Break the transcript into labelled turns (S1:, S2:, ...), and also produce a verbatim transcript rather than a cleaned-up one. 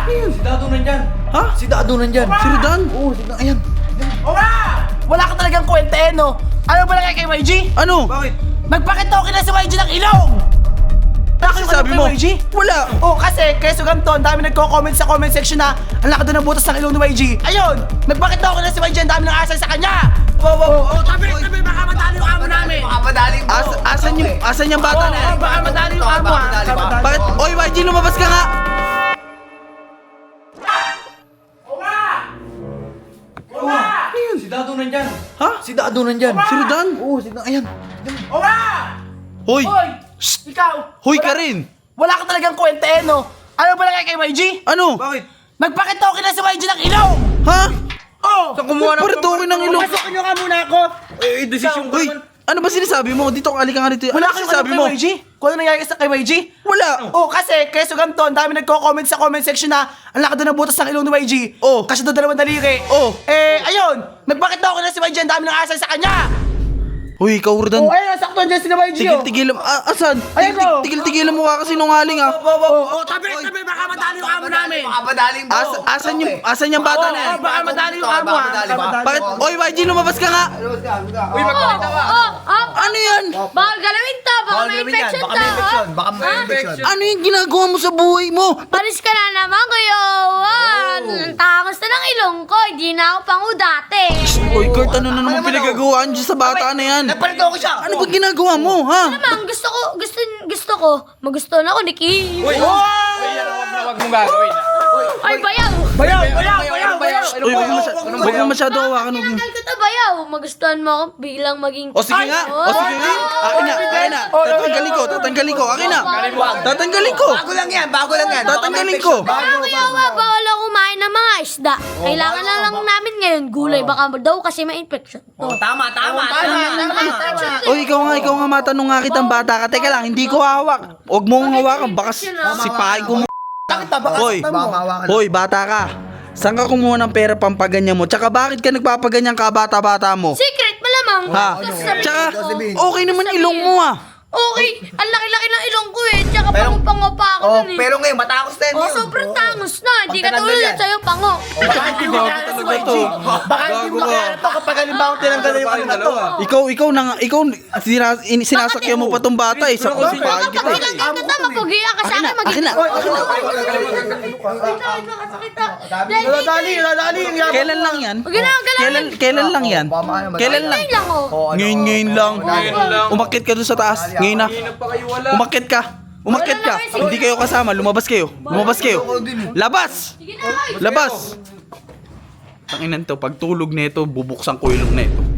S1: Si Dado nandyan.
S2: Ha?
S1: Si Dado nandyan.
S2: Si Rodan?
S1: Oo, si Dado. Ayan.
S3: O nga! Wala ka talagang kwenta eh, no? Ano ba lang kay Y G?
S2: Ano?
S1: Bakit?
S3: Magpakitokin na si Y G ng ilong!
S2: Kasi sabi mo,
S3: Y G?
S2: wala.
S3: Oh, kasi kaya Sugamto, ang dami nagko-comment sa comment section na ang laki doon ng butas ng ilong ni Y G. Ayun! Magpakitokin na si Y G, ang dami ng asal sa kanya! Wow, wow, oh, tabi, tabi, baka madali yung amo namin!
S1: Baka madaling mo.
S2: As, asan yung, asan yung bata
S3: Oh,
S2: na yan?
S3: oh, baka madali yung amo,
S1: Baka
S3: ha?
S1: madali ba?
S2: Bakit? Oy, Y G, lumabas ka nga!
S1: Si Dado nandyan.
S2: Ha?
S1: Si Dado nandyan.
S2: Si Rodan?
S1: Oo, si Dado. Ayan.
S3: O nga!
S2: Hoy!
S3: Hoy! Ikaw!
S2: Hoy
S3: wala-
S2: ka rin!
S3: Wala ka talagang kwenta eh, no? Ano ba lang kay Y G?
S2: Ano?
S1: Bakit?
S3: Magpakitokin na si Y G ng ilong!
S2: Ha?
S3: Oh!
S1: Saan kumuha ng...
S2: Paritokin ng ilong.
S3: Pasukin nyo nga muna ako!
S1: Eh, desisyon ko
S2: Hoy!
S1: naman.
S2: Ano ba sinasabi mo? Dito ka, alika nga dito.
S3: Wala
S2: Ano
S3: kang
S2: sinasabi
S3: ano
S2: mo?
S3: kay Y G? Kung ano nangyari sa kay Y G?
S2: Wala!
S3: Oh, kasi kay Sugamto, ang dami nagko-comment sa comment section na ang laki doon ng butas ng ilong ni Y G.
S2: Oh.
S3: Kasi doon dalawang daliri.
S2: Oh.
S3: Eh, ayun! Magpakitokin na si Y G, ang dami ng asal sa kanya!
S2: Hoy, ikaw, Rodan.
S3: Oh, ayun, sakto dyan si Y G, oh!
S2: Tigil-tigil mo. Ah, asan?
S3: Ayan, oh.
S2: Tigil-tigil mo ka kasi nungaling ah.
S3: Oh, oh, tabi, tabi, baka madali yung amo namin!
S1: Baka madaling mo.
S2: As, asan yung, asan yung bata
S3: Oh,
S2: na yan?
S3: oh, baka madali yung amo,
S1: Baka
S3: ha?
S1: madali ba?
S2: Bakit? Oy, Y G, lumabas ka nga!
S1: Uy, magpakita ka.
S4: Oh, oh,
S2: Ano yan?
S4: bawal galawin to, baka
S1: Bawal
S4: may
S1: gawin yan.
S4: infection
S1: Baka
S4: to.
S1: may infection.
S4: oh.
S1: Baka may
S4: Ha?
S1: infection.
S2: Ano yung ginagawa mo sa buhay mo?
S4: Paris ka na naman, Kuya Owan. Ang takas na ng ilong ko, hindi na ako pangu dati.
S2: Oy, Kurt, ano na naman pinagagawaan dyan sa bata na yan?
S1: Nagpalito ko siya.
S2: Ano ba ginagawa mo, ha?
S4: Naman, gusto ko, gusto, gusto ko, magustuhan ako ni Kim.
S1: Uy,
S5: Huwag mong gagawin ah.
S4: Ay, bayaw!
S3: Bayaw, bayaw, bayaw, bayaw!
S2: Uy, huwag mo masya- huwag mo masyado hawakan. huwag mo-
S4: Tinanggal ko to, bayaw. Magustuhan mo ako bilang maging...
S2: O sige nga, o sige nga. Akin na, akin na. Tatanggalin ko, tatanggalin ko. Akin na. Tatanggalin ko.
S1: Bago lang yan, bago lang yan. Baka may
S2: Tatanggalin
S1: infection.
S2: ko.
S1: Bago,
S4: Ah, Kuya
S1: bago.
S4: Owan, bawal ako kumain ng mga isda. Kailangan na lang namin ngayon gulay, baka daw kasi may infection to.
S1: Oh, tama, tama, tama, tama.
S4: Infection to.
S2: O ikaw nga, ikaw nga matanong nga kitang bata ka. Teka lang, hindi ko hawak. Huwag mong hawakan, baka sipahin ko mo.
S1: Bakit ba? Baka
S2: Hoy,
S1: saktan mo. Baka mahawakan.
S2: hoy, bata ka. Saan ka kumuha ng pera pampaganyan mo? Tsaka bakit ka nagpapaganyan ka bata-bata mo?
S4: Secret, malamang.
S2: Ha?
S4: Tapos sabi-
S2: Tsaka,
S1: Sabihin.
S2: okay naman ilong mo ah.
S4: Okay, ang laki-laki ng ilong ko eh. Tsaka
S1: Pero-
S4: pango-pango pa ako
S1: Oh,
S4: nun eh.
S1: pero ngayon, matakos na yan
S4: Oh,
S1: yun.
S4: sobrang tangos na. Hindi ka
S1: Pagtatanggal
S4: tulad
S1: yan.
S4: sa'yo, pango.
S3: Baka hindi mo kaya si Y G. Baka hindi mo kaya to kapag halimbawa tinanggal na yung ano na to.
S2: Ikaw, ikaw na nga, ikaw, sinas, in, sinasakyan mo pa tong bata eh. Sa
S4: Baka
S2: kusipahin kita
S4: pag
S2: eh.
S4: tinanggal ka to, mapugiya ka sa
S2: Akin na,
S4: akin.
S2: akin na.
S3: Nadali, nadali yung yaman.
S2: Kailan lang yan?
S4: Huwag na, galawin.
S2: Kailan, kailan lang yan?
S1: Baka makaya madali.
S2: Kailan lang?
S4: Ngayon lang oh.
S1: Oh, ano?
S2: Ngayon, ngayon lang.
S5: Ngayon lang.
S2: Umakit ka doon sa taas. Ngayon na.
S5: Hinap pa kayo wala.
S2: Umakit ka. Umakit ka. Hindi kayo kasama. Lumabas kayo. Lumabas kayo. Labas!
S4: Sige na, ay.
S2: Labas! Tanginan to, pag tulog nito, bubuksan ko ilong nito.